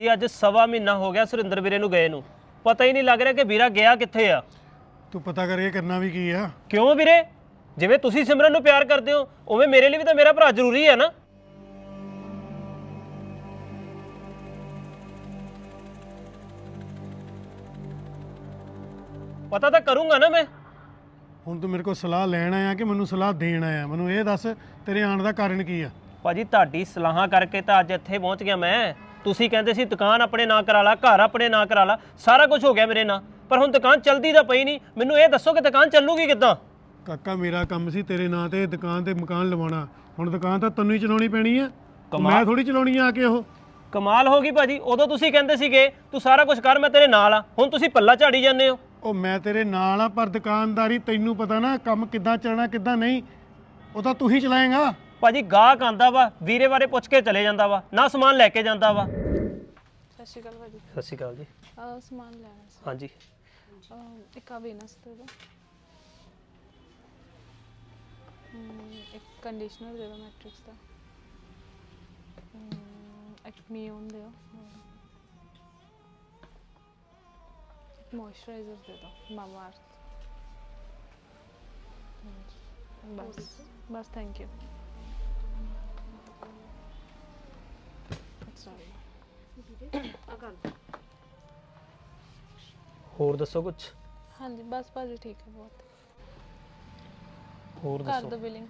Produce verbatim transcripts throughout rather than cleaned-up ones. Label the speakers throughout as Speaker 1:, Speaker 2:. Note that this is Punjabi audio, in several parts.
Speaker 1: ਇਹ ਅੱਜ ਸਵਾ ਮਹੀਨਾ ਹੋ ਗਿਆ ਸੁਰਿੰਦਰ ਵੀਰੇ ਨੂੰ ਗਏ ਨੂੰ, ਪਤਾ ਹੀ ਨਹੀਂ ਲੱਗ ਰਿਹਾ ਕਿ ਵੀਰਾ ਗਿਆ ਕਿੱਥੇ ਆ।
Speaker 2: ਤੂੰ ਪਤਾ ਕਰ ਇਹ ਕਰਨਾ ਵੀ ਕੀ ਆ।
Speaker 1: ਕਿਉਂ ਵੀਰੇ? ਜਿਵੇਂ ਤੁਸੀਂ ਸਿਮਰਨ ਨੂੰ ਪਿਆਰ ਕਰਦੇ ਹੋ ਉਵੇਂ ਮੇਰੇ ਲਈ ਵੀ ਤਾਂ ਮੇਰਾ ਭਰਾ ਜ਼ਰੂਰੀ ਹੈ ਨਾ। ਪਤਾ ਤਾਂ ਕਰੂੰਗਾ ਨਾ ਮੈਂ।
Speaker 2: ਹੁਣ ਤੂੰ ਮੇਰੇ ਕੋਲ ਸਲਾਹ ਲੈਣ ਆਇਆ ਕਿ ਮੈਨੂੰ ਸਲਾਹ ਦੇਣ ਆਇਆ? ਮੈਨੂੰ ਇਹ ਦੱਸ ਤੇਰੇ ਆਉਣ ਦਾ ਕਾਰਨ ਕੀ ਆ?
Speaker 1: ਭਾਜੀ ਤੁਹਾਡੀ ਸਲਾਹਾਂ ਕਰਕੇ ਤਾਂ ਅੱਜ ਇੱਥੇ ਪਹੁੰਚ ਗਿਆ ਮੈਂ। ਤੁਸੀਂ ਕਹਿੰਦੇ ਸੀ ਦੁਕਾਨ ਆਪਣੇ ਨਾਂ ਕਰਾ ਲਾ, ਘਰ ਆਪਣੇ ਨਾਂ ਕਰਾ ਲਾ, ਸਾਰਾ ਕੁਝ ਹੋ ਗਿਆ ਮੇਰੇ ਨਾਂ, ਪਰ ਹੁਣ ਦੁਕਾਨ ਚੱਲਦੀ ਤਾਂ ਪਈ ਨਹੀਂ। ਮੈਨੂੰ ਇਹ ਦੱਸੋ ਕਿ ਦੁਕਾਨ ਚੱਲੂਗੀ ਕਿੱਦਾਂ?
Speaker 2: ਕਾਕਾ ਮੇਰਾ ਕੰਮ ਸੀ ਤੇਰੇ ਨਾਂ ਤੇ ਦੁਕਾਨ ਤੇ ਮਕਾਨ ਲਵਾਉਣਾ, ਹੁਣ ਦੁਕਾਨ ਤਾਂ ਤੈਨੂੰ ਹੀ ਚਲਾਉਣੀ ਪੈਣੀ ਆ, ਮੈਂ ਥੋੜੀ ਚਲਾਉਣੀ ਆ ਕੇ। ਉਹ
Speaker 1: ਕਮਾਲ ਹੋ ਗਈ ਭਾਜੀ, ਉਦੋਂ ਤੁਸੀਂ ਕਹਿੰਦੇ ਸੀਗੇ ਤੂੰ ਸਾਰਾ ਕੁਝ ਕਰ ਮੈਂ ਤੇਰੇ ਨਾਲ ਆ, ਹੁਣ ਤੁਸੀਂ ਪੱਲਾ ਝਾੜੀ ਜਾਂਦੇ ਹੋ।
Speaker 2: ਉਹ ਮੈਂ ਤੇਰੇ ਨਾਲ ਆ ਪਰ ਦੁਕਾਨਦਾਰੀ ਤੈਨੂੰ ਪਤਾ ਨਾ ਕੰਮ ਕਿੱਦਾਂ ਚੱਲਣਾ ਕਿੱਦਾਂ ਨਹੀਂ, ਉਹ ਤਾਂ ਤੂੰ ਹੀ ਚਲਾਏਗਾ।
Speaker 1: ਭਾਜੀ ਗਾਹਕ ਆਂਦਾ ਵਾ ਵੀਰੇ ਬਾਰੇ ਪੁੱਛ ਕੇ ਚਲੇ ਜਾਂਦਾ ਵਾ, ਨਾ ਸਮਾਨ ਲੈ ਕੇ ਜਾਂਦਾ ਵਾ।
Speaker 3: ਸਤਿ ਸ਼੍ਰੀ ਅਕਾਲ ਭਾਜੀ।
Speaker 1: ਸਤਿ ਸ਼੍ਰੀ ਅਕਾਲ ਜੀ।
Speaker 3: ਆਹ ਸਮਾਨ ਲੈਣਾ ਸੀ।
Speaker 1: ਹਾਂਜੀ
Speaker 3: ਅਹ ਇੱਕ ਆ ਵੀਨਸ ਦੇ ਦਿਓ, ਹਮ, ਇੱਕ ਕੰਡੀਸ਼ਨਰ ਦੇ ਦਿਓ ਮੈਟ੍ਰਿਕਸ ਦਾ, ਹਮ, ਇੱਕ ਮੀਓਨ ਦਿਓ, ਇੱਕ ਮੋਇਸਚਰਾਈਜ਼ਰ ਦੇ ਦਿਓ ਮਾਮਾ ਅਰਥ। ਬਸ ਬਸ ਥੈਂਕ ਯੂ।
Speaker 1: ਹੋਰ ਦੱਸੋ ਕੁਝ?
Speaker 3: ਹਾਂਜੀ ਬਸ ਭਾਜੀ ਠੀਕ ਹੈ, ਬਹੁਤ।
Speaker 1: ਹੋਰ
Speaker 3: ਕਰ
Speaker 1: ਦੱਸੋ?
Speaker 3: ਦੋ ਬਿਲਿੰਗ।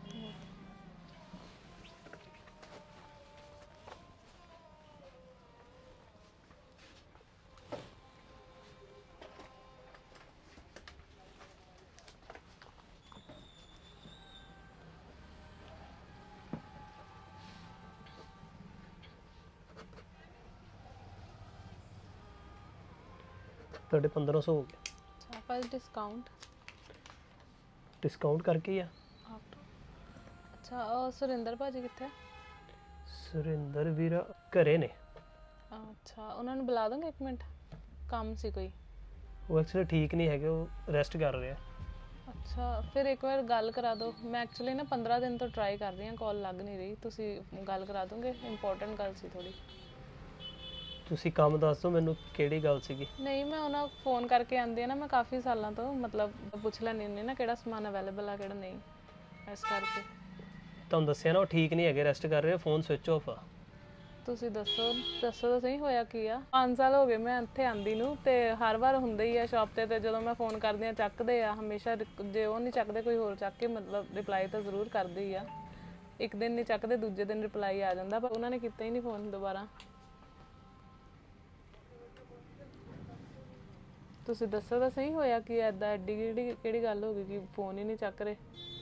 Speaker 1: ਤੁਹਾਡੇ ਪੰਦਰਾਂ ਸੌ ਹੋ ਗਿਆ।
Speaker 3: ਅੱਛਾ ਭਾਜੀ ਡਿਸਕਾਊਂਟ?
Speaker 1: ਡਿਸਕਾਊਂਟ ਕਰਕੇ ਹੀ ਆ।
Speaker 3: ਅੱਛਾ ਉਹ ਸੁਰਿੰਦਰ ਭਾਜੀ ਕਿੱਥੇ?
Speaker 1: ਸੁਰਿੰਦਰ ਵੀਰਾ ਘਰੇ ਨੇ।
Speaker 3: ਅੱਛਾ ਉਹਨਾਂ ਨੂੰ ਬੁਲਾ ਦੋਗੇ ਇੱਕ ਮਿੰਟ, ਕੰਮ ਸੀ ਕੋਈ।
Speaker 1: ਉਹ ਐਕਚੁਅਲੀ ਠੀਕ ਨਹੀਂ ਹੈਗੇ, ਉਹ ਰੈਸਟ ਕਰ ਰਹੇ ਆ।
Speaker 3: ਅੱਛਾ ਫਿਰ ਇੱਕ ਵਾਰ ਗੱਲ ਕਰਾ ਦਿਓ। ਮੈਂ ਐਕਚੁਅਲੀ ਨਾ ਪੰਦਰਾਂ ਦਿਨ ਤੋਂ ਟਰਾਈ ਕਰ ਰਹੀ ਹਾਂ, ਕਾਲ ਲੱਗ ਨਹੀਂ ਰਹੀ। ਤੁਸੀਂ ਗੱਲ ਕਰਾ ਦੋਗੇ? ਇੰਪੋਰਟੈਂਟ ਗੱਲ ਸੀ ਥੋੜੀ।
Speaker 1: ਤੁਸੀਂ ਕੰਮ ਦੱਸ ਦਿਓ ਮੈਨੂੰ, ਕਿਹੜੀ ਗੱਲ ਸੀਗੀ?
Speaker 3: ਨਹੀਂ ਮੈਂ ਉਹਨਾਂ ਫੋਨ ਕਰਕੇ ਆਉਂਦੀ ਆ ਨਾ, ਮੈਂ ਕਾਫੀ ਸਾਲਾਂ ਤੋਂ ਮਤਲਬ ਪੁੱਛ ਲੈਂਦੀ ਹੁੰਦੀ ਨਾ ਕਿਹੜਾ ਸਮਾਨ ਅਵੇਲੇਬਲ ਆ ਕਿਹੜਾ ਨਹੀਂ, ਇਸ ਕਰਕੇ।
Speaker 1: ਤੁਹਾਨੂੰ ਦੱਸਿਆ ਨਾ ਉਹ ਠੀਕ ਨਹੀਂ ਹੈਗੇ, ਰੈਸਟ ਕਰ ਰਹੇ ਆ, ਫੋਨ ਸਵਿਚ ਆਫ ਆ।
Speaker 3: ਤੁਸੀਂ ਦੱਸੋ ਦੱਸੋ ਤਾਂ ਸਹੀ ਹੋਇਆ ਕੀ ਆ? ਪੰਜ ਸਾਲ ਹੋ ਗਏ ਮੈਂ ਇੱਥੇ ਆਂਦੀ ਨੂੰ, ਤੇ ਹਰ ਵਾਰ ਹੁੰਦਾ ਹੀ ਆ ਸ਼ਾਪ ਤੇ, ਤੇ ਜਦੋਂ ਮੈਂ ਫੋਨ ਕਰਦੀ ਆ ਚੱਕਦੇ ਆ ਹਮੇਸ਼ਾ। ਜੇ ਉਹ ਨਹੀਂ ਚੱਕਦੇ ਕੋਈ ਹੋਰ ਚੱਕ ਕੇ ਮਤਲਬ ਰਿਪਲਾਈ ਤਾਂ ਜ਼ਰੂਰ ਕਰਦੇ ਹੀ ਆ। ਇੱਕ ਦਿਨ ਨਹੀਂ ਚੱਕਦੇ ਦੂਜੇ ਦਿਨ ਰਿਪਲਾਈ ਆ ਜਾਂਦਾ, ਪਰ ਉਹਨਾਂ ਨੇ ਕੀਤਾ ਹੀ ਨਹੀਂ ਫੋਨ ਦੁਬਾਰਾ। ਤੁਸੀਂ ਦੱਸੋ ਤਾਂ ਸਹੀ ਹੋਇਆ ਕਿ ਐਦਾਂ ਐਡੀ ਕਿਹੜੀ ਕਿਹੜੀ ਗੱਲ ਹੋ ਗਈ ਕਿ ਫੋਨ ਹੀ ਨਹੀਂ ਚੱਕ ਰਹੇ?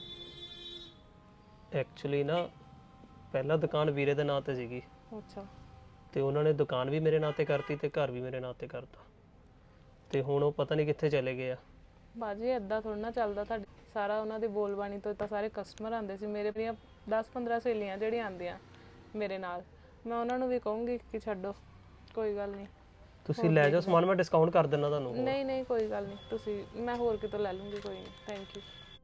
Speaker 1: ਐਕਚੁਅਲੀ ਨਾ ਪਹਿਲਾਂ ਦੁਕਾਨ ਵੀਰੇ ਦੇ ਨਾਂ ਤੇ ਸੀਗੀ,
Speaker 3: ਅੱਛਾ।
Speaker 1: ਤੇ ਉਹਨਾਂ ਨੇ ਦੁਕਾਨ ਵੀ ਮੇਰੇ ਨਾਂ ਤੇ ਕਰਤੀ ਤੇ ਘਰ ਵੀ ਮੇਰੇ ਨਾਂ ਤੇ ਕਰਤਾ, ਤੇ ਹੁਣ ਉਹ ਪਤਾ ਨਹੀਂ ਕਿੱਥੇ ਚਲੇ ਗਏ ਆ।
Speaker 3: ਬਾਜੀ ਐਦਾਂ ਥੋੜਾ ਨਾ ਚੱਲਦਾ। ਤੁਹਾਡੇ ਸਾਰਾ ਉਹਨਾਂ ਦੀ ਬੋਲਬਾਣੀ ਤੋਂ ਤਾਂ ਸਾਰੇ ਕਸਟਮਰ ਆਉਂਦੇ ਸੀ। ਮੇਰੇ ਦੀਆਂ ਦਸ ਪੰਦਰਾਂ ਸਹੇਲੀਆਂ ਜਿਹੜੀਆਂ ਆਉਂਦੀਆਂ ਮੇਰੇ ਨਾਲ, ਮੈਂ ਉਹਨਾਂ ਨੂੰ ਵੀ ਕਹੂੰਗੀ ਕਿ ਛੱਡੋ, ਕੋਈ ਗੱਲ ਨਹੀਂ।
Speaker 1: ਤੁਸੀਂ ਲੈ ਜਾਓ ਸਮਾਨ, ਮੈਂ ਡਿਸਕਾਊਂਟ ਕਰ ਦਿੰਦਾ ਤੁਹਾਨੂੰ।
Speaker 3: ਨਹੀਂ ਨਹੀਂ ਕੋਈ ਗੱਲ ਨਹੀਂ, ਤੁਸੀਂ ਮੈਂ ਹੋਰ ਕਿਤੋਂ ਲੈ ਲੂੰਗੀ, ਕੋਈ ਨਹੀਂ। Thank you.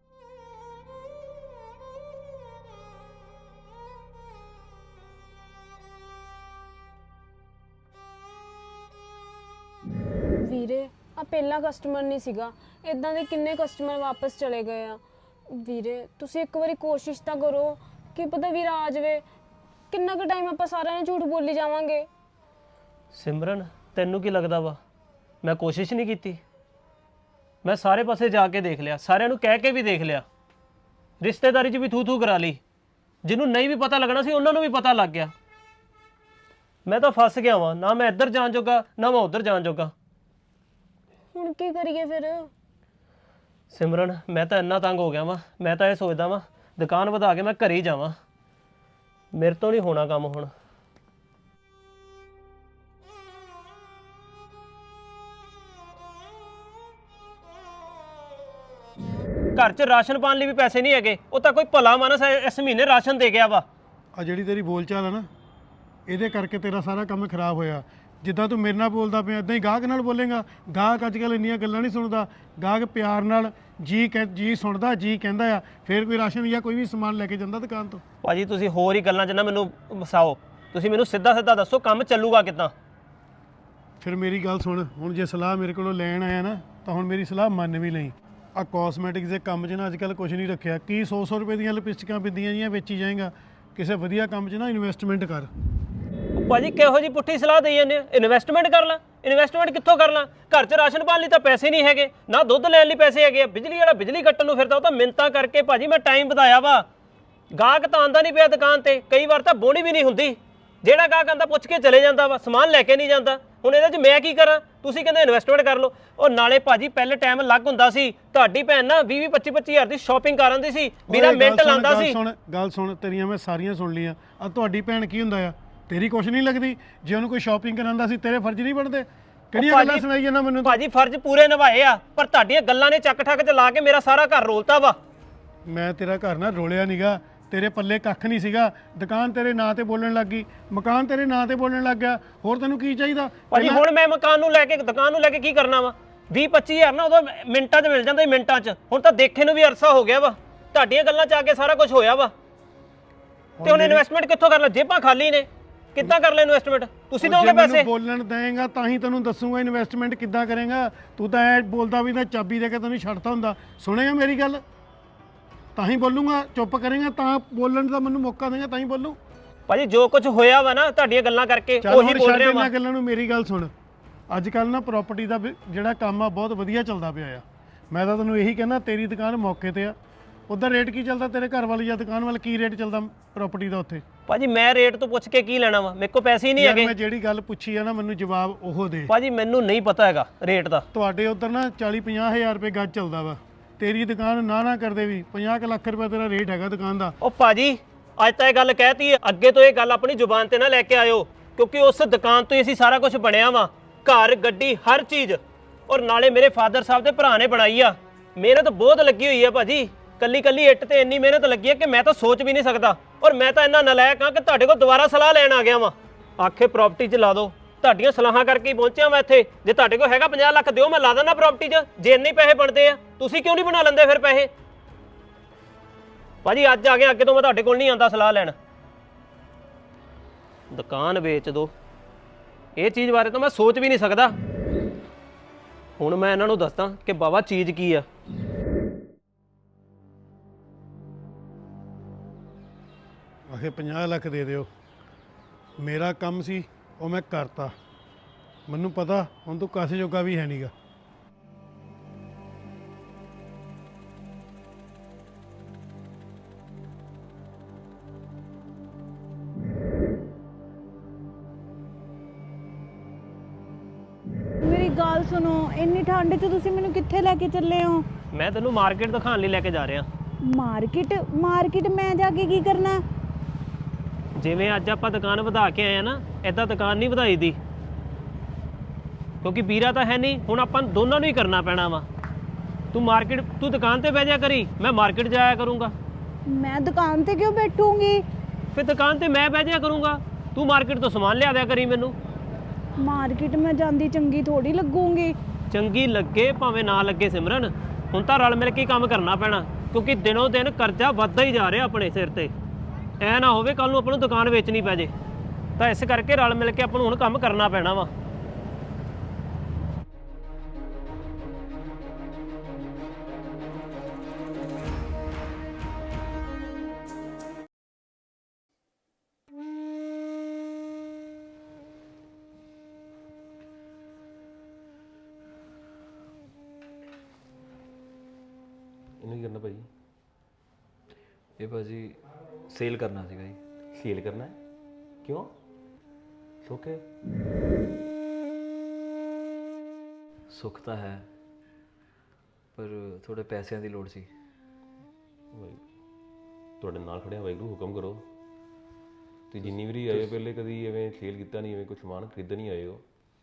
Speaker 4: ਵੀਰੇ ਆ ਪਹਿਲਾ ਕਸਟਮਰ ਨਹੀਂ ਸੀਗਾ, ਇਦਾਂ ਦੇ ਕਿੰਨੇ ਕਸਟਮਰ ਵਾਪਸ ਚਲੇ ਗਏ ਆ। ਵੀਰੇ ਤੁਸੀਂ ਇੱਕ ਵਾਰੀ ਕੋਸ਼ਿਸ਼ ਤਾਂ ਕਰੋ, ਕੀ ਪਤਾ ਵੀਰਾ ਆ ਜਾਵੇ। ਕਿੰਨਾ ਕੁ ਟਾਈਮ ਆਪਾਂ ਸਾਰਿਆਂ ਨੇ ਝੂਠ ਬੋਲੀ ਜਾਵਾਂਗੇ?
Speaker 1: ਸਿਮਰਨ ਤੈਨੂੰ ਕੀ ਲੱਗਦਾ ਵਾ ਮੈਂ ਕੋਸ਼ਿਸ਼ ਨਹੀਂ ਕੀਤੀ? ਮੈਂ ਸਾਰੇ ਪਾਸੇ ਜਾ ਕੇ ਦੇਖ ਲਿਆ, ਸਾਰਿਆਂ ਨੂੰ ਕਹਿ ਕੇ ਵੀ ਦੇਖ ਲਿਆ, ਰਿਸ਼ਤੇਦਾਰੀ 'ਚ ਵੀ ਥੂ ਥੂ ਕਰਾ ਲਈ। ਜਿਹਨੂੰ ਨਹੀਂ ਵੀ ਪਤਾ ਲੱਗਣਾ ਸੀ ਉਹਨਾਂ ਨੂੰ ਵੀ ਪਤਾ ਲੱਗ ਗਿਆ। ਮੈਂ ਤਾਂ ਫਸ ਗਿਆ ਵਾਂ, ਨਾ ਮੈਂ ਇੱਧਰ ਜਾਣ ਜੋਗਾ ਨਾ ਮੈਂ ਉੱਧਰ ਜਾਣ ਜੋਗਾ।
Speaker 4: ਹੁਣ ਕੀ ਕਰੀਏ ਫਿਰ?
Speaker 1: ਸਿਮਰਨ ਮੈਂ ਤਾਂ ਇੰਨਾ ਤੰਗ ਹੋ ਗਿਆ ਵਾਂ, ਮੈਂ ਤਾਂ ਇਹ ਸੋਚਦਾ ਵਾਂ ਦੁਕਾਨ ਵਧਾ ਕੇ ਮੈਂ ਘਰੇ ਹੀ ਜਾਵਾਂ। ਮੇਰੇ ਤੋਂ ਨਹੀਂ ਹੋਣਾ ਕੰਮ ਹੁਣ। ਘਰ 'ਚ ਰਾਸ਼ਨ ਪਾਣ ਲਈ ਵੀ ਪੈਸੇ ਨਹੀਂ ਹੈਗੇ, ਉਹ ਤਾਂ ਕੋਈ ਭਲਾ ਮਾਨਸ ਇਸ ਮਹੀਨੇ ਰਾਸ਼ਨ ਦੇ ਗਿਆ ਵਾ।
Speaker 2: ਆ ਜਿਹੜੀ ਤੇਰੀ ਬੋਲਚਾਲ ਆ ਨਾ, ਇਹਦੇ ਕਰਕੇ ਤੇਰਾ ਸਾਰਾ ਕੰਮ ਖਰਾਬ ਹੋਇਆ। ਜਿੱਦਾਂ ਤੂੰ ਮੇਰੇ ਨਾਲ ਬੋਲਦਾ ਪਿਆ ਇਦਾਂ ਹੀ ਗਾਹਕ ਨਾਲ ਬੋਲੇਗਾ। ਗਾਹਕ ਅੱਜ ਕੱਲ੍ਹ ਇੰਨੀਆਂ ਗੱਲਾਂ ਨਹੀਂ ਸੁਣਦਾ, ਗਾਹਕ ਪਿਆਰ ਨਾਲ ਜੀ ਕਹਿ ਜੀ ਸੁਣਦਾ, ਜੀ ਕਹਿੰਦਾ ਆ, ਫਿਰ ਕੋਈ ਰਾਸ਼ਨ ਜਾਂ ਕੋਈ ਵੀ ਸਮਾਨ ਲੈ ਕੇ ਜਾਂਦਾ ਦੁਕਾਨ ਤੋਂ।
Speaker 1: ਭਾਜੀ ਤੁਸੀਂ ਹੋਰ ਹੀ ਗੱਲਾਂ 'ਚ ਨਾ ਮੈਨੂੰ ਵਸਾਓ, ਤੁਸੀਂ ਮੈਨੂੰ ਸਿੱਧਾ ਸਿੱਧਾ ਦੱਸੋ ਕੰਮ ਚੱਲੂਗਾ ਕਿੱਦਾਂ?
Speaker 2: ਫਿਰ ਮੇਰੀ ਗੱਲ ਸੁਣ, ਹੁਣ ਜੇ ਸਲਾਹ ਮੇਰੇ ਕੋਲੋਂ ਲੈਣ ਆਇਆ ਨਾ ਤਾਂ ਹੁਣ ਮੇਰੀ ਸਲਾਹ ਮੰਨ ਵੀ ਲਈ। ਆ ਕਾਸਮੈਟਿਕਸ ਦੇ ਕੰਮ 'ਚ ਨਾ ਅੱਜ ਕੱਲ੍ਹ ਕੁਝ ਨਹੀਂ ਰੱਖਿਆ। ਕੀ ਸੌ ਸੌ ਰੁਪਏ ਦੀਆਂ ਲਿਪਸਟਿਕਾਂ ਬਿੰਦੀਆਂ ਜੀਆਂ ਵੇਚੀ ਜਾਏਗਾ? ਕਿਸੇ ਵਧੀਆ ਕੰਮ 'ਚ ਨਾ ਇਨਵੈਸਟਮੈਂਟ ਕਰ।
Speaker 1: ਉਹ ਭਾਜੀ ਕਿਹੋ ਜੀ ਪੁੱਠੀ ਸਲਾਹ ਦੇਈ ਜਾਂਦੇ ਆ? ਇਨਵੈਸਟਮੈਂਟ ਕਰ ਲਾਂ? ਇਨਵੈਸਟਮੈਂਟ ਕਿੱਥੋਂ ਕਰ ਲਾਂ? ਘਰ 'ਚ ਰਾਸ਼ਨ ਪਾਣ ਲਈ ਤਾਂ ਪੈਸੇ ਨਹੀਂ ਹੈਗੇ, ਨਾ ਦੁੱਧ ਲੈਣ ਲਈ ਪੈਸੇ ਹੈਗੇ ਆ। ਬਿਜਲੀ ਵਾਲਾ ਬਿਜਲੀ ਕੱਟਣ ਨੂੰ ਫਿਰਦਾ, ਉਹ ਤਾਂ ਮਿੰਨਤਾਂ ਕਰਕੇ ਭਾਜੀ ਮੈਂ ਟਾਈਮ ਵਧਾਇਆ ਵਾ। ਗਾਹਕ ਤਾਂ ਆਂਦਾ ਨਹੀਂ ਪਿਆ ਦੁਕਾਨ ਤੇ, ਕਈ ਵਾਰ ਤਾਂ ਬੋਣੀ ਵੀ ਨਹੀਂ ਹੁੰਦੀ। ਜਿਹੜਾ ਗਾਹਕ ਆਂਦਾ ਪੁੱਛ ਕੇ ਚਲੇ ਜਾਂਦਾ ਵਾ, ਸਮਾਨ ਲੈ ਕੇ ਨਹੀਂ ਜਾਂਦਾ। ਹੁਣ ਇਹਦੇ 'ਚ ਮੈਂ ਕੀ ਕਰਾਂ? ਤੁਸੀਂ ਕਹਿੰਦੇ ਇਨਵੈਸਟਮੈਂਟ ਕਰ ਲਓ। ਉਹ ਨਾਲੇ ਭਾਜੀ ਪਹਿਲੇ ਟਾਈਮ ਅਲੱਗ ਹੁੰਦਾ ਸੀ। ਤੁਹਾਡੀ ਭੈਣ ਨਾ ਵੀਹ ਵੀਹ ਪੱਚੀ ਪੱਚੀ ਹਜ਼ਾਰ ਦੀ ਸ਼ਾਪਿੰਗ ਕਰ ਆਉਂਦੀ ਸੀ, ਵੀਰਾ
Speaker 2: ਓਏ ਗੱਲ
Speaker 1: ਮਿੰਟ
Speaker 2: ਸੁਣ,
Speaker 1: ਲਾਉਂਦਾ
Speaker 2: ਗੱਲ
Speaker 1: ਸੀ।
Speaker 2: ਸੁਣ ਗੱਲ ਸੁਣ ਤੇਰੀਆਂ ਮੈਂ ਸਾਰੀਆਂ ਸੁਣ ਲਈਆਂ। ਆ ਤੁਹਾਡੀ ਭੈਣ ਕੀ ਹੁੰਦਾ ਆ? ਤੇਰੀ ਕੁਛ ਨਹੀਂ ਲੱਗਦੀ? ਜੇ ਉਹਨੂੰ ਕੋਈ ਸ਼ਾਪਿੰਗ ਕਰਾਉਂਦਾ ਸੀ, ਤੇਰੇ ਫਰਜ਼ ਨਹੀਂ ਬਣਦੇ? ਕਿਹੜੀਆਂ ਗੱਲਾਂ ਸੁਣਾਈ ਜਾਂਦਾ ਮੈਨੂੰ?
Speaker 1: ਭਾਜੀ ਫਰਜ਼ ਪੂਰੇ ਨਿਭਾਏ ਆ, ਪਰ ਤੁਹਾਡੀਆਂ ਗੱਲਾਂ ਨੇ ਚੱਕ ਠੱਕ ਚ ਲਾ ਕੇ ਮੇਰਾ ਸਾਰਾ ਘਰ ਰੋਲਤਾ ਵਾ।
Speaker 2: ਮੈਂ ਤੇਰਾ ਘਰ ਨਾ ਰੋਲਿਆ ਨੀਗਾ, ਤੇਰੇ ਪੱਲੇ ਕੱਖ ਨਹੀਂ ਸੀਗਾ। ਦੁਕਾਨ ਤੇਰੇ ਨਾਂ ਤੇ ਬੋਲਣ ਲੱਗ ਗਈ, ਮਕਾਨ ਤੇਰੇ ਨਾਂ ਤੇ ਬੋਲਣ ਲੱਗ ਗਿਆ। ਹੋਰ ਤੈਨੂੰ ਕੀ ਚਾਹੀਦਾ?
Speaker 1: ਭਾਜੀ ਹੁਣ ਮੈਂ ਮਕਾਨ ਨੂੰ ਲੈ ਕੇ ਦੁਕਾਨ ਨੂੰ ਲੈ ਕੇ ਕੀ ਕਰਨਾ ਵਾ? ਵੀਹ ਪੱਚੀ ਹਜ਼ਾਰ ਨਾ ਉਦੋਂ ਮਿੰਟਾਂ 'ਚ ਮਿਲ ਜਾਂਦਾ ਸੀ, ਮਿੰਟਾਂ 'ਚ। ਹੁਣ ਤਾਂ ਦੇਖੇ ਨੂੰ ਵੀ ਅਰਸਾ ਹੋ ਗਿਆ ਵਾ। ਤੁਹਾਡੀਆਂ ਗੱਲਾਂ 'ਚ ਆ ਕੇ ਸਾਰਾ ਕੁਝ ਹੋਇਆ ਵਾ। ਤੇ ਹੁਣ ਇਨਵੈਸਟਮੈਂਟ ਕਿੱਥੋਂ ਕਰ ਲਾਂ? ਜੇਬਾਂ ਖਾਲੀ ਨੇ, ਕਿੱਦਾਂ ਕਰ ਲੈ ਇਨਵੈਸਟਮੈਂਟ? ਤੁਸੀਂ ਦੋਗੇ ਪੈਸੇ?
Speaker 2: ਮੈਨੂੰ ਬੋਲਣ ਦੇਂਗਾ ਤਾਂ ਹੀ ਤੈਨੂੰ ਦੱਸੂਗਾ ਇਨਵੈਸਟਮੈਂਟ ਕਿੱਦਾਂ ਕਰੇਗਾ। ਤੂੰ ਤਾਂ ਐ ਬੋਲਦਾ ਵੀ ਤਾਂ ਚਾਬੀ ਦੇ ਕੇ ਤੈਨੂੰ ਛੱਡਤਾ ਹੁੰਦਾ। ਸੁਣੇਗਾ ਮੇਰੀ ਗੱਲ ਤਾਂ ਹੀ ਬੋਲੂੰਗਾ। ਚੁੱਪ ਕਰੇਗਾ ਤਾਂ ਬੋਲਣ ਦਾ ਮੈਨੂੰ ਮੌਕਾ ਦੇਗਾ ਤਾਂ ਹੀ ਬੋਲੂ।
Speaker 1: ਭਾਜੀ ਜੋ ਕੁਝ ਹੋਇਆ ਵਾ ਨਾ ਤੁਹਾਡੀਆਂ ਗੱਲਾਂ ਕਰਕੇ,
Speaker 2: ਚੱਲ
Speaker 1: ਉਹੀ
Speaker 2: ਹੁਣ
Speaker 1: ਬੋਲ
Speaker 2: ਛੱਡ
Speaker 1: ਰਿਹਾ ਵਾ।
Speaker 2: ਇਹਨਾਂ ਗੱਲਾਂ ਨੂੰ, ਮੇਰੀ ਗੱਲ ਸੁਣ। ਅੱਜ ਕੱਲ ਨਾ ਪ੍ਰਾਪਰਟੀ ਦਾ ਵੀ ਜਿਹੜਾ ਕੰਮ ਆ ਬਹੁਤ ਵਧੀਆ ਚੱਲਦਾ ਪਿਆ ਆ। ਮੈਂ ਤਾਂ ਤੈਨੂੰ ਇਹੀ ਕਹਿੰਦਾ, ਤੇਰੀ ਦੁਕਾਨ ਮੌਕੇ ਤੇ ਆ। ਉੱਧਰ ਰੇਟ ਕੀ ਚੱਲਦਾ? ਤੇਰੇ ਘਰ ਵਾਲੀ ਜਾਂ ਦੁਕਾਨ ਵਾਲ ਕੀ ਰੇਟ ਚੱਲਦਾ ਪ੍ਰਾਪਰਟੀ ਦਾ ਉੱਥੇ?
Speaker 1: ਭਾਜੀ ਮੈਂ ਰੇਟ ਤੋਂ ਪੁੱਛ ਕੇ ਕੀ ਲੈਣਾ ਵਾ? ਮੇਰੇ ਕੋਲ ਪੈਸੇ ਹੀ ਨਹੀਂ
Speaker 2: ਯਾਰ
Speaker 1: ਹੈਗੇ।
Speaker 2: ਮੈਂ ਜਿਹੜੀ ਗੱਲ ਪੁੱਛੀ ਆ ਨਾ, ਮੈਨੂੰ ਜਵਾਬ ਉਹ ਦੇ।
Speaker 1: ਭਾਜੀ ਮੈਨੂੰ ਨਹੀਂ ਪਤਾ ਹੈਗਾ ਰੇਟ ਦਾ।
Speaker 2: ਤੁਹਾਡੇ ਉੱਧਰ ਨਾ ਚਾਲੀ ਪੰਜਾਹ ਹਜ਼ਾਰ ਰੁਪਏ ਗੱਜ ਚੱਲਦਾ ਵਾ। ਤੇਰੀ ਦੁਕਾਨ ਨਾ ਨਾ ਕਰਦੇ ਵੀ ਪੰਜਾਹ ਕੁ ਲੱਖ ਰੁਪਏ ਤੇਰਾ ਰੇਟ ਹੈਗਾ ਦੁਕਾਨ ਦਾ।
Speaker 1: ਉਹ ਭਾਜੀ ਅੱਜ ਤਾਂ ਇਹ ਗੱਲ ਕਹਿਤੀ ਹੈ, ਅੱਗੇ ਤੋਂ ਇਹ ਗੱਲ ਆਪਣੀ ਜ਼ੁਬਾਨ ਤੇ ਨਾ ਲੈ ਕੇ ਆਇਓ, ਕਿਉਂਕਿ ਉਸ ਦੁਕਾਨ ਤੋਂ ਹੀ ਅਸੀਂ ਸਾਰਾ ਕੁਝ ਬਣਿਆ ਵਾ। ਘਰ, ਗੱਡੀ, ਹਰ ਚੀਜ਼। ਔਰ ਨਾਲੇ ਮੇਰੇ ਫਾਦਰ ਸਾਹਿਬ ਦੇ ਭਰਾ ਨੇ ਬਣਾਈ ਆ। ਮਿਹਨਤ ਬਹੁਤ ਲੱਗੀ ਹੋਈ ਆ ਭਾਜੀ। ਕੱਲੀ ਕੱਲੀ ਇੱਟ ਤੇ ਇੰਨੀ ਮਿਹਨਤ ਲੱਗੀ ਹੈ ਕਿ ਮੈਂ ਤਾਂ ਸੋਚ ਵੀ ਨਹੀਂ ਸਕਦਾ। ਔਰ ਮੈਂ ਤਾਂ ਇੰਨਾ ਨਲਾਇਕ ਹਾਂ ਕਿ ਤੁਹਾਡੇ ਕੋਲ ਦੁਬਾਰਾ ਸਲਾਹ ਲੈਣ ਆ ਗਿਆ ਵਾਂ। ਆਖੇ ਪ੍ਰਾਪਰਟੀ 'ਚ ਲਾ ਦਿਓ। ਤੁਹਾਡੀਆਂ ਸਲਾਹਾਂ ਕਰਕੇ ਹੀ ਪਹੁੰਚਿਆ ਮੈਂ ਇੱਥੇ। ਜੇ ਤੁਹਾਡੇ ਕੋਲ ਹੈਗਾ ਪੰਜਾਹ ਲੱਖ ਦਿਓ, ਮੈਂ ਲਾ ਦਿੰਦਾ ਪ੍ਰਾਪਰਟੀ 'ਚ। ਜੇ ਇੰਨੇ ਪੈਸੇ ਬਣਦੇ ਆ, ਤੁਸੀਂ ਕਿਉਂ ਨਹੀਂ ਬਣਾ ਲੈਂਦੇ ਫਿਰ ਪੈਸੇ? ਭਾਜੀ ਅੱਜ ਆ ਗਿਆ, ਅੱਗੇ ਤੋਂ ਮੈਂ ਤੁਹਾਡੇ ਕੋਲ ਨਹੀਂ ਆਉਂਦਾ ਸਲਾਹ ਲੈਣ। ਦੁਕਾਨ ਵੇਚ ਦਿਓ, ਇਹ ਚੀਜ਼ ਬਾਰੇ ਤਾਂ ਮੈਂ ਸੋਚ ਵੀ ਨਹੀਂ ਸਕਦਾ। ਹੁਣ ਮੈਂ ਇਹਨਾਂ ਨੂੰ ਦੱਸਦਾ ਕਿ ਬਾਬਾ ਚੀਜ਼ ਕੀ ਆ।
Speaker 2: ਆਖੇ ਪੰਜਾਹ ਲੱਖ ਦੇ ਦਿਓ। ਮੇਰਾ ਕੰਮ ਸੀ ਉਹ ਮੈਂ ਕਰਤਾ। ਮੈਨੂੰ ਪਤਾ ਹੁਣ ਤੂੰ ਕਾਸੇ ਜੋਗਾ ਵੀ ਹੈ ਨਹੀਂਗਾ।
Speaker 5: ਮੇਰੀ ਗੱਲ ਸੁਣੋ, ਇੰਨੀ ਠੰਡ 'ਚ ਤੁਸੀਂ ਮੈਨੂੰ ਕਿੱਥੇ ਲੈ ਕੇ ਚੱਲੇ ਹੋ?
Speaker 1: ਮੈਂ ਤੈਨੂੰ ਮਾਰਕੀਟ ਦਿਖਾਉਣ ਲਈ ਲੈ ਕੇ ਜਾ ਰਿਹਾ।
Speaker 5: ਮਾਰਕੀਟ? ਮਾਰਕੀਟ ਮੈਂ ਜਾ ਕੇ ਕੀ ਕਰਨਾ?
Speaker 1: ਜਿਵੇਂ ਅੱਜ ਆਪਾਂ ਦੁਕਾਨ ਵਧਾ ਕੇ ਆਏ ਆ ਨਾ, ਐਦਾਂ ਦੁਕਾਨ ਨਹੀਂ ਵਧਾਈ ਦੀ, ਕਿਉਂਕਿ ਵੀਰਾ ਤਾਂ ਹੈ ਨਹੀਂ। ਹੁਣ ਆਪਾਂ ਦੋਨਾਂ ਨੂੰ ਹੀ ਕਰਨਾ ਪੈਣਾ ਵਾ। ਤੂੰ ਮਾਰਕੀਟ, ਤੂੰ ਦੁਕਾਨ ਤੇ ਬਹਿ ਜਾ ਕਰੀ, ਮੈਂ ਮਾਰਕੀਟ ਜਾਇਆ ਕਰੂੰਗਾ।
Speaker 5: ਮੈਂ ਦੁਕਾਨ ਤੇ ਕਿਉਂ ਬੈਠੂੰਗੀ?
Speaker 1: ਫਿਰ ਦੁਕਾਨ ਤੇ ਮੈਂ ਬਹਿ ਜਾਇਆ ਕਰੂੰਗਾ, ਤੂੰ ਮਾਰਕੀਟ ਤੋਂ ਸਮਾਨ ਲਿਆ ਦਿਆ ਕਰੀ ਮੈਨੂੰ।
Speaker 5: ਮਾਰਕੀਟ ਮੈਂ ਜਾਂਦੀ ਚੰਗੀ ਥੋੜੀ ਲੱਗੂੰਗੀ।
Speaker 1: ਚੰਗੀ ਲੱਗੇ ਭਾਵੇਂ ਨਾ ਲੱਗੇ ਸਿਮਰਨ, ਹੁਣ ਤਾਂ ਰਲ ਮਿਲ ਕੇ ਕੰਮ ਕਰਨਾ ਪੈਣਾ, ਕਿਉਂਕਿ ਦਿਨੋਂ ਦਿਨ ਕਰਜ਼ਾ ਵੱਧਦਾ ਹੀ ਜਾ ਰਿਹਾ ਆਪਣੇ ਸਿਰ ਤੇ। ਐ ਨਾ ਹੋਵੇ ਕੱਲ ਨੂੰ ਆਪਾਂ ਨੂੰ ਦੁਕਾਨ ਵੇਚਣੀ ਪੈ ਜੇ। ਤਾਂ ਇਸ ਕਰਕੇ ਰਲ ਮਿਲ ਕੇ ਆਪਾਂ ਨੂੰ ਹੁਣ ਕੰਮ ਕਰਨਾ ਪੈਣਾ ਵਾ।
Speaker 6: ਇਹਨੂੰ ਕੀ ਕਰਨਾ ਭਾਜੀ? ਇਹ ਭਾਜੀ ਸੇਲ ਕਰਨਾ ਸੀਗਾ ਜੀ।
Speaker 7: ਸੇਲ ਕਰਨਾ ਹੈ? ਕਿਉਂ? ਸੁੱਖ ਹੈ?
Speaker 6: ਸੁੱਖ ਤਾਂ ਹੈ, ਪਰ ਥੋੜੇ ਪੈਸਿਆਂ ਦੀ ਲੋੜ ਸੀ।
Speaker 7: ਵਾਹਿਗੁਰੂ ਤੁਹਾਡੇ ਨਾਲ ਖੜਿਆ, ਵਾਹਿਗੁਰੂ ਹੁਕਮ ਕਰੋ। ਤੇ ਜਿੰਨੀ ਵਾਰੀ ਆਏ ਹੋ ਪਹਿਲੇ ਕਦੀ ਐਵੇਂ ਸੇਲ ਕੀਤਾ ਨਹੀਂ, ਐਵੇਂ ਕੋਈ ਸਮਾਨ ਖਰੀਦਣ ਨਹੀਂ ਆਏ ਹੋ?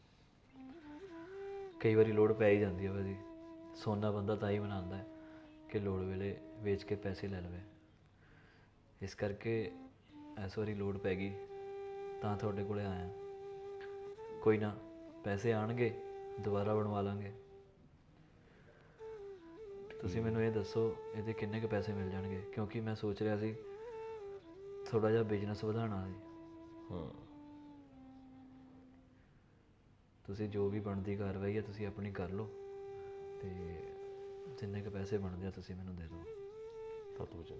Speaker 6: ਕਈ ਵਾਰੀ ਲੋੜ ਪੈ ਹੀ ਜਾਂਦੀ ਹੈ ਭਾਜੀ। ਸੋਨਾ ਬੰਦਾ ਤਾਂ ਹੀ ਬਣਾਉਂਦਾ ਹੈ ਕਿ ਲੋੜ ਵੇਲੇ ਵੇਚ ਕੇ ਪੈਸੇ ਲੈ ਲਵੇ। ਇਸ ਕਰਕੇ ਇਸ ਵਾਰੀ ਲੋੜ ਪੈ ਗਈ ਤਾਂ ਤੁਹਾਡੇ ਕੋਲੇ ਆਇਆ। ਕੋਈ ਨਾ, ਪੈਸੇ ਆਣਗੇ ਦੁਬਾਰਾ ਬਣਵਾ ਲਾਂਗੇ। ਤੁਸੀਂ ਮੈਨੂੰ ਇਹ ਦੱਸੋ ਇਹਦੇ ਕਿੰਨੇ ਕੁ ਪੈਸੇ ਮਿਲ ਜਾਣਗੇ, ਕਿਉਂਕਿ ਮੈਂ ਸੋਚ ਰਿਹਾ ਸੀ ਥੋੜਾ ਜਿਹਾ ਬਿਜ਼ਨਸ ਵਧਾਉਣਾ ਸੀ।
Speaker 7: ਹਾਂ
Speaker 6: ਤੁਸੀਂ ਜੋ ਵੀ ਬਣਦੀ ਕਾਰਵਾਈ ਹੈ ਤੁਸੀਂ ਆਪਣੀ ਕਰ ਲਓ ਤੇ ਜਿੰਨੇ ਕੁ ਪੈਸੇ ਬਣਦੇ ਆ ਤੁਸੀਂ ਮੈਨੂੰ ਦੇ ਦਿਓ।
Speaker 7: ਸੱਤ ਵਜੇ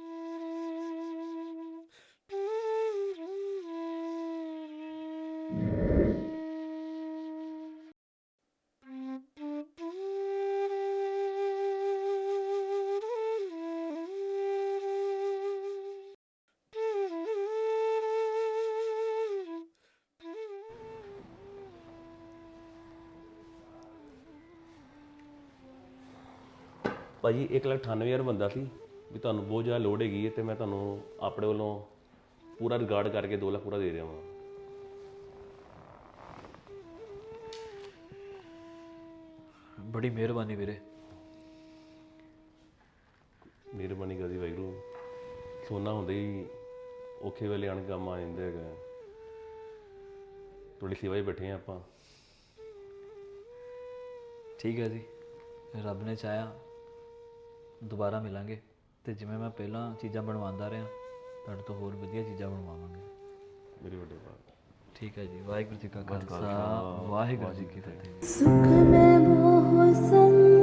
Speaker 7: ਭਾਜੀ ਇੱਕ ਲੱਖ ਅਠਾਨਵੇਂ ਹਜ਼ਾਰ ਬੰਦਾ ਸੀ ਵੀ ਤੁਹਾਨੂੰ ਬਹੁਤ ਜ਼ਿਆਦਾ ਲੋੜ ਹੈਗੀ ਹੈ ਤੇ ਮੈਂ ਤੁਹਾਨੂੰ ਆਪਣੇ ਵੱਲੋਂ ਪੂਰਾ ਰਿਗਾਰਡ ਕਰਕੇ ਦੋ ਲੱਖ ਪੂਰਾ ਦੇ ਰਿਹਾ ਹਾਂ।
Speaker 6: ਬੜੀ ਮਿਹਰਬਾਨੀ ਵੀਰੇ।
Speaker 7: ਮਿਹਰਬਾਨੀ ਕਰਦੀ ਵਾਹਿਗੁਰੂ, ਸੋਨਾ ਹੁੰਦੇ ਹੀ ਔਖੇ ਵੇਲੇ ਆਣ ਕੇ ਕੰਮ ਆ ਜਾਂਦੇ ਹੈਗਾ। ਤੁਹਾਡੀ ਸੇਵਾ 'ਚ ਬੈਠੇ ਹਾਂ ਆਪਾਂ।
Speaker 6: ਠੀਕ ਹੈ ਜੀ, ਰੱਬ ਨੇ ਚਾਹਿਆ ਦੁਬਾਰਾ ਮਿਲਾਂਗੇ ਤੇ ਜਿਵੇਂ ਮੈਂ ਪਹਿਲਾਂ ਚੀਜ਼ਾਂ ਬਣਵਾਉਂਦਾ ਰਿਹਾ ਤੁਹਾਡੇ ਤੋਂ ਹੋਰ ਵਧੀਆ ਚੀਜ਼ਾਂ ਬਣਵਾਵਾਂਗੇ।
Speaker 7: ਮੇਰੇ ਵੱਡੇ ਬਾਤ।
Speaker 6: ਠੀਕ ਹੈ ਜੀ, ਵਾਹਿਗੁਰੂ ਜੀ ਕਾ ਖਾਲਸਾ ਵਾਹਿਗੁਰੂ ਜੀ ਕੀ ਫਤਿਹ।
Speaker 5: ਸੁਖ ਮੈਂ ਮੋਹ ਸੰਗ